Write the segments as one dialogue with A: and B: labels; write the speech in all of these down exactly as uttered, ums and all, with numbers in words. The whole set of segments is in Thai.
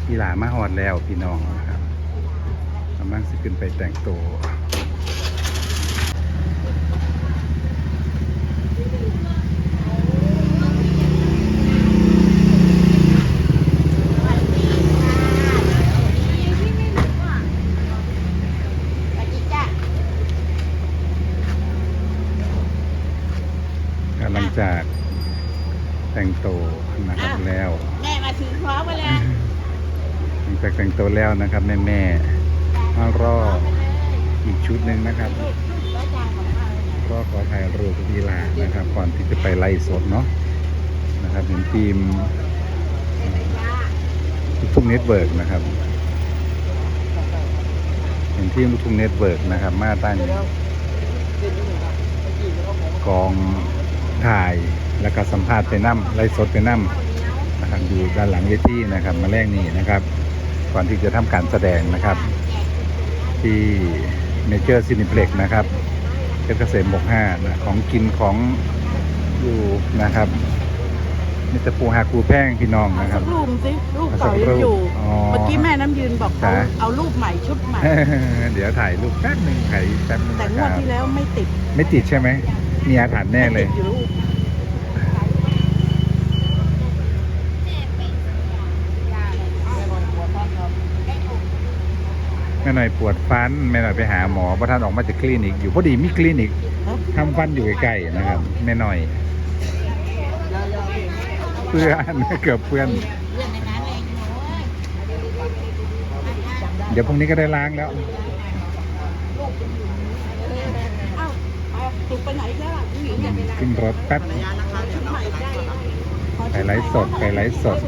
A: อีหลามาฮอดแล้วพี่น้องนะครับกำลังสิขึ้นไปแต่งตัวหลังจากแต่งตัวนะครับแล้ว
B: แม่มาถือพร้อมมาแล้ว
A: หลังจากแต่งตัวแล้วนะครับแม่แม่มารออีกชุดหนึ่งนะครับรอขอถ่ายรูปกับอีหลานะครับก่อนที่จะไปไล่สดเนาะนะครับเห็นทีมลูกทุ่งเน็ตเวิร์กนะครับเห็นทีมลูกทุ่งเน็ตเวิร์กนะครับมาตั้งกองถ่ายแล้วก็สัมภาษณ์ไปนั่มไล่สดไปนั่มนะครับอยู่ด้านหลังเวทีนะครับมาแรกนี้นะครับก่อนที่จะทำการแสดงนะครับที่เมเจอร์ซินิเพล็กซ์นะครับเพชรเกษมบกห้านะของกินของอยู่นะครับนี่จะปูหากูแพงพี่น้องนะครับ
B: รูปสิรูปเก่ายังอยู่เมื่อกี้แม่น้ำยืนบอกเขาเอารูปใหม่ชุดใหม่
A: เดี๋ยวถ่ายรูปแป๊บหนึ่งถ่ายแป๊บนึง
B: แต่งวดที่แล้วไม่ติด
A: ไม่ติดใช่ไหมมีอาถรรพ์แน่เลยแม่หน่อยปวดฟันแม่หน่อยไปหาหมอเพราะท่านออกมาจากคลินิกอยู่พอดีมีคลินิกทำฟันอยู่ใกล้ๆนะครับแม่หน่อยเพื่อนเกือบเพื่อนเดี๋ยวพรุ่งนี้ก็ได้ล้างแล้วขึ้นรถแป๊บไปไลฟ์สดไปไลฟ์สด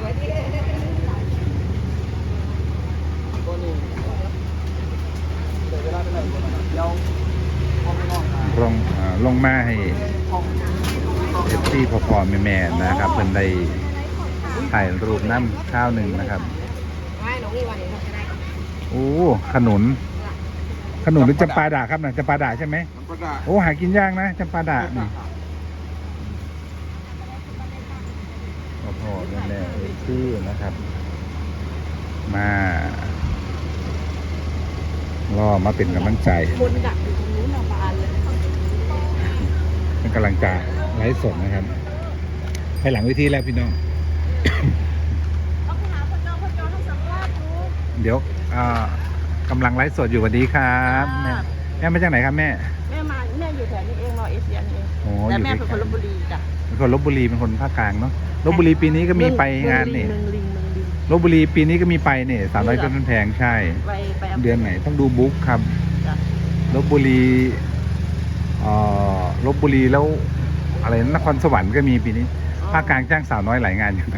A: ลงลงมาให้เอฟซีพอพอแม่ๆนะครับเพิ่นได้ถ่ายรูปน้ำข้าวหนึ่งนะครับโอ้ขนุนขนุนหรือจำปาดาครับนะจำปาดาใช่ไหมโอ้หากินยากนะจำปาดานี่พอพอแม่ๆชื่อนะครับมารอมาเป็นกำลังใจคนดักอยู่ตรงนู้นเอาบานเลยเป็นกำลังใจไลฟ์สดนะครับให้หลังเวทีแล้วพี่น้องเดี๋ยวกำลังไลฟ์สดอยู่สวัสดีครับแม่แม่มาจากไหนครับแม่
B: แม่มาแม่อยู่แถวนี้เองรอเอเชียนเองแต่แม่เป็นคนลพบุรีจ้ะ
A: เป็นคนลพบุรีเป็นคนภาคกลางเนาะลพบุรีปีนี้ก็มีไปงานนี่ลพบุรีปีนี้ก็มีไปเนี่ยสามร้อยต้นแพงใช่เดือนไหนต้องดูบุ๊กครับลพบุรีเอ่อลพบุรีแล้วอะไรนครสวรรค์ก็มีปีนี้ภาคกลางจ้างสาวน้อยหลายงานอยู่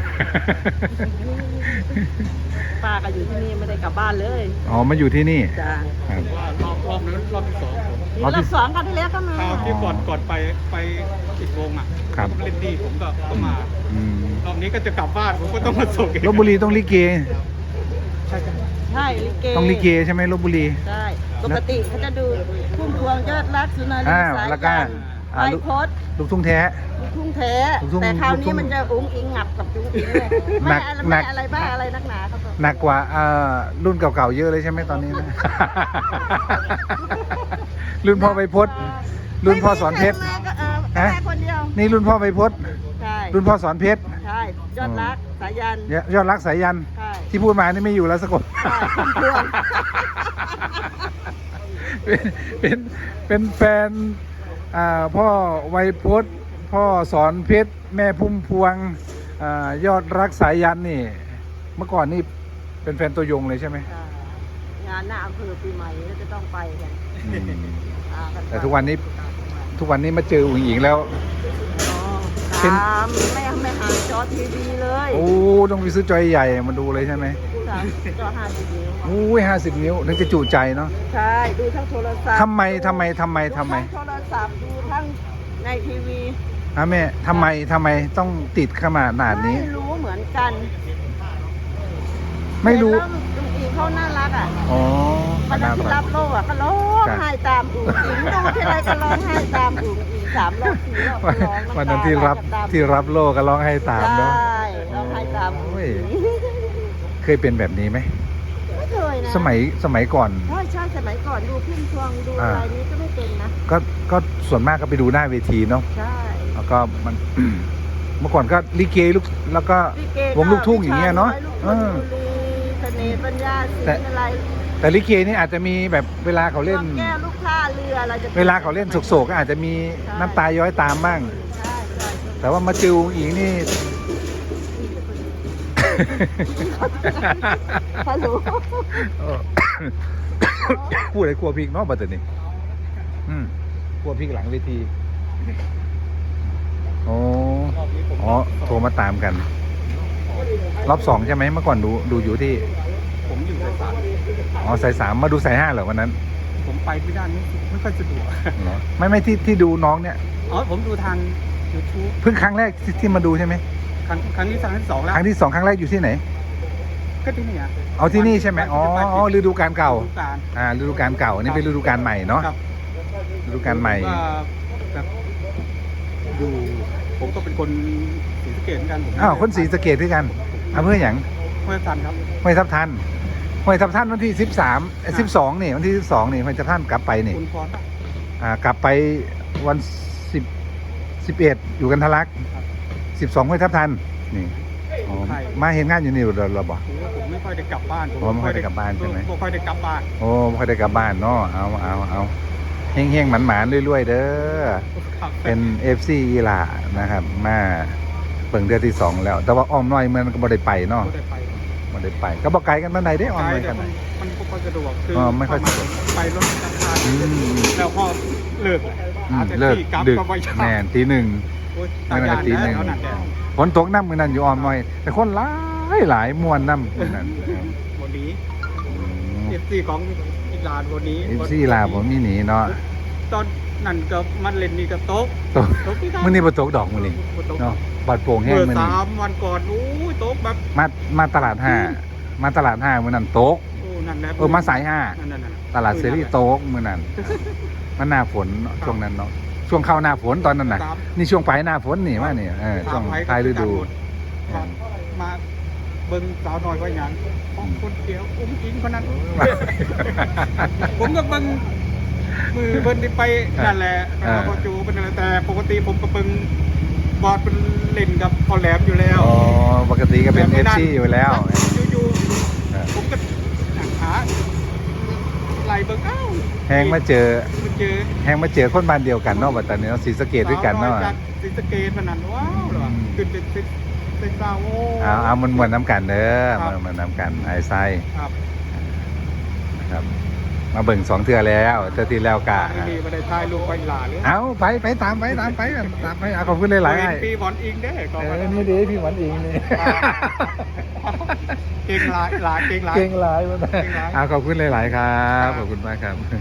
B: ป้าก็อยู่ที่นี่ไม่ได้กลับบ้านเลย
A: อ๋อมาอยู่ที่นี่
B: จ้ะ
C: รอบรอบนั้นรอบที่สอง
B: รอบที่สองกันที่แล้วก็มา
C: ที่ก่อนก่อนไปไปปิดวงอ่ะ
A: ครับ
C: เล่นดีผมก็ก็มารอบนี้ก็จะกลับบ้านผมก็ต้องมาส่ง
A: ลพบุรีต้องลิเก
C: ใช่
B: ใช่ลิเก
A: ต้องลิเกใช่ไหมลพบุรี
B: ใช่ปกติเขาจะดูพุ่มพวงยอดรักสุนารีสายยันไอพด
A: ลูกทุ่งแท้
B: ลูกทุ่งแท้แต่คราวนี้มันจะอุ้งอิงงับกับจุ้งอิงเลยไม่ไม่อะไรบ้าอะไรนักหนาครับ
A: หนักกว่ารุ่นเก่าๆเยอะเลยใช่ไหมตอนนี้นะรุ่นพ่อใบพดรุ่นพ่อสอนเพชร
B: ฮะ
A: นี่รุ่นพ่อใบพดรุ่นพ่อสอนเพชร
B: ใช่ยอดรักสายยัน
A: ยอดรักสายยันที่พูดมานี่ไม่อยู่แล้วสักคนเป็นเป็นเป็นแฟนพ่อไวยพจน์พ่อสอนเพชรแม่พุ่มพวงยอดรักสายยันนี่เมื่อก่อนนี่เป็นแฟนตัวยงเลยใช่ไหม
B: งานหน้าอำเภอปีใหม่ก็จะต้องไปกัน
A: แต่ทุกวันนี้ทุกวันนี้มาเจออุ๋งอิงแล้ว
B: ตามไม่ไม่หาจอทีวีเลย
A: โอ้ต้องไปซื้อจอใหญ่มาดูเลยใช่ไหม
B: จอห้าสิบนิ้ว
A: โอ้ยห้าสิบนิ้วถึงจะจุใจเนาะ
B: ใช่ดูทั้งโทรศัพท์
A: ทำไมทำไมทำไมทำไม
B: โทรศัพท์ดูทั้งในทีวี
A: ฮะแม่ทำไมทำไมต้องติดขนาดนาดนี้
B: ไม่รู้เหมือนกัน
A: ไม่รู้
B: ลุงอิงเขาน่ารักอ่ะ
A: อ๋อ
B: วันนั้นที่รับโล่อ่ะก็ร้องไห้ตามอุ๋งอิงดูที่ไรก็ร้องไห้ตามอุ๋งอิงสามรอบสี่รอบร้อง
A: วันนั้นที่รับที่รับโล่ก็ร้องไห้ตามเนาะ
B: ใช่ร้องไห้ตาม
A: เคยเป็นแบบนี้ไหม
B: ไม่เคยนะ
A: สมัยสมัยก่อน
B: ใช่ใช่สมัยก่อนดูพุ่มพวงดู
A: อ่า
B: อะไรนี้ก็ไม่เป็นนะ
A: ก็ก็ส่วนมากก็ไปดูหน้าเวทีเนาะ
B: ใช่
A: แล้วก็มัน เมื่อก่อนก็ลิเกลูกแล้วก็
B: ลิเก
A: วงลูกทุ่งอย่างเงี้ยเนอะ
B: ลูก
A: เอ
B: ทุ่ง
A: อ
B: บุรีเสน่ห์ปัญญาศิล
A: แต่
B: ป์อะไร
A: แต่ลิเกนี่อาจจะมีแบบเวลาเขาเล่น
B: รอบแก้วลูกท่าเรืออะไรจะ
A: เวลาเขาเล่นโศกๆก็อาจจะมีน้ำตาย้อยตามบ้าง
B: ใช่ใช่
A: แต่ว่ามาจิวอีกนี่
B: ฮัลโหล
A: เออ พูดอะไรกลัวพริกเนาะบัดเดี๋ยวนี้อืมกลัวพริกหลังเวทีโอ้
C: รอบนี้ผม
A: อ๋อโทรมาตามกัน รอบสองใช่ไหมเมื่อก่อนดูดูอยู่ที่
C: ผมอยู่สายสาม
A: อ๋อสายสามมาดูสายห้าเหรอวันนั้น
C: ผมไปไม่ได้ไม่ไม่ค่อยสะดวก
A: เหรอไม่ไม่ที่ที่ดูน้องเนี่ย
C: อ๋อผมดูทาง YouTube
A: เพิ่งครั้งแรกที่ที่มาดูใช่ไหม
C: ครั้งครั้งที่สามที่สองแล้ว
A: ครั้งที่สองครั้งแรกอยู่ที่ไหน
C: ก็ที่นี่อ่ะ
A: เอาที่นี่ใช่ไหมอ๋ออ๋อฤดูกาลเก่า
C: ฤดูกาล
A: อ่าฤดูกาลเก่าอันนี่เป็นฤดูกาลใหม่เนาะ
C: ครับ
A: ฤดูกาลใหม่
C: ว่าแบบอยู่ผมก็เป็นคนศรีสะเกษเหมือนกันผม
A: อ้าวคนศรีสะเกษด้วยกันอำเภอหยัง
C: ห้วยทันครับ
A: ห้วยทับทันห้วยทับทันวันที่สิบสามสิบสองนี่วันที่สิบสองนี่ห้วยทับทันกลับไปนี่
C: คุณพรป่ะ
A: อ่ากลับไปวันสิบสิบเอ็ดอยู่กันทะลักสิบสองห้วยทับทันนี่อ๋อมาเห็นงานอยู่นี่เราเราบอก
C: ผมว่าผมไม่ค่อยได้กลับบ้าน
A: อ๋อไม่ค่อยได้กลับบ้านใช่ไหม
C: ไม่ค่อยได้กลับบ้าน
A: โอ้ไม่ค่อยได้กลับบ้านเนาะเอาเอาเอาเฮงเฮงหมันหมานๆรวยๆเด้อ
C: ครับ
A: เป็นเอฟซีอีหลานะครับ มาเปิงเดือนที่สองแล้ว แต่ว่าอ้อมน้อยมันก็บ่ได้ไปเนาะ
C: ไม่ได้ไป
A: บ่ได้ไป ก็บ่ไกลกันปานใดได้อ้อม
C: ไกล
A: น้อย
C: แต่
A: กัน
C: มันมันไม่ค่อยสะดวกคือ
A: อ๋อไม่ค่อยสะดวก
C: ไปรถจักรยาน
A: อืม
C: แล้วพอเลิก
A: อื
C: หาม แต่
A: เลิก
C: ที่กลับ
A: ดึก
C: ก็ไม่ใช่
A: แน่นตีหนึ่ง
C: โอ้ย
A: ไม่น่าจะตีหนึ่ง
C: เอาหนักแดด
A: ฝนตกน้ำมือนั้นอยู่อ้อมน้อย แต่คนหลายหลายมวนน้ำมือนั้น
C: วันนี้เอฟซีของอีลานวันนี้
A: เอฟซีลาผมมีหนีเนาะ
C: ตอนนั่นก็มันเล่นนี่ก็ตก
A: ตก
C: ตกที่
A: มื้อนี้บ่ตกดอกมื้อนี้
C: บ่ตก
A: เนาะบาดโป่งแห้ง
C: เมื่อ
A: มื้อนี้
C: สามวันก่อนโอ้ยตกแบบ
A: มามาตลาดห้ามาตลาดห้ามื้อนั้นตก
C: โอ้นั่นแหละ
A: เออมาสายห้า
C: นั่นนั่นนั่น
A: ตลาดเซรีโต๊กมือนั้น มันหน้าฝนเนอะช่วงนั้นเนาะช่วงเข้าหน้าฝนตอนนั้นน่ะ
C: ตาม
A: นี่ช่วงปลายหน้าฝนนี่ว่านี่เออช่วง
C: ตามไว้
A: ท้ายฤดู
C: ครับมาเบิ่งสาวน้อยว่าหยังของคนเดียวอุ้มอิงคนนั้น ผมก็เบิ่งมือเบิ่นที่ไปนั่นแหละ
A: อ่า
C: พอจูเป็นอะไรแต่ปกติผมก็เบิ่งบอดเป็นเล่นกับพอแหลมอยู่แล้ว
A: อ๋อปกติก็เป็นเอฟซีอยู่แล้ว
C: อยู่
A: เออ
C: ๆผมก็หนังขาไหลเบิ่งอ้าว
A: แฮงมาเจอ
C: มาเจอ
A: แฮงมาเจอคนบ้านเดียวกันเนาะบัดตอนนี้เนาะศรีสะเกษด้วยกันเนาะ
C: สวอยจากศรีสะเกษพนันว้าวเหรอ
A: อืม
C: ขึ้นเป็นเป็นเป็นสาวโอ้
A: เอาเอามันมวนน้ำกันเด้อ
C: ครั
A: มั
C: บ
A: นมันน้ำกันไอ้ไส้
C: ครับ
A: นะครับ มาเบิ่งสองเทื่อแล้วเทื่อที่แล้วกะ
C: ไม่มีมาได้ถ่ายรูปไปหลาเลย
A: เอาไปไปตามไปตามไปกันตามไปเอาขอบคุณหลายๆ
C: เห็
A: ไอ้
C: นปีบอลอิงได้ก็
A: เอ
C: มา
A: อนี่ดีพี่หวันอิงนี่
C: เก่งหลายหลายเก่งหลาย
A: เก่งหลายมา
C: เก่งหลาย
A: อ่าขอบคุณหลาย ๆ ครับ ขอบคุณมากครับ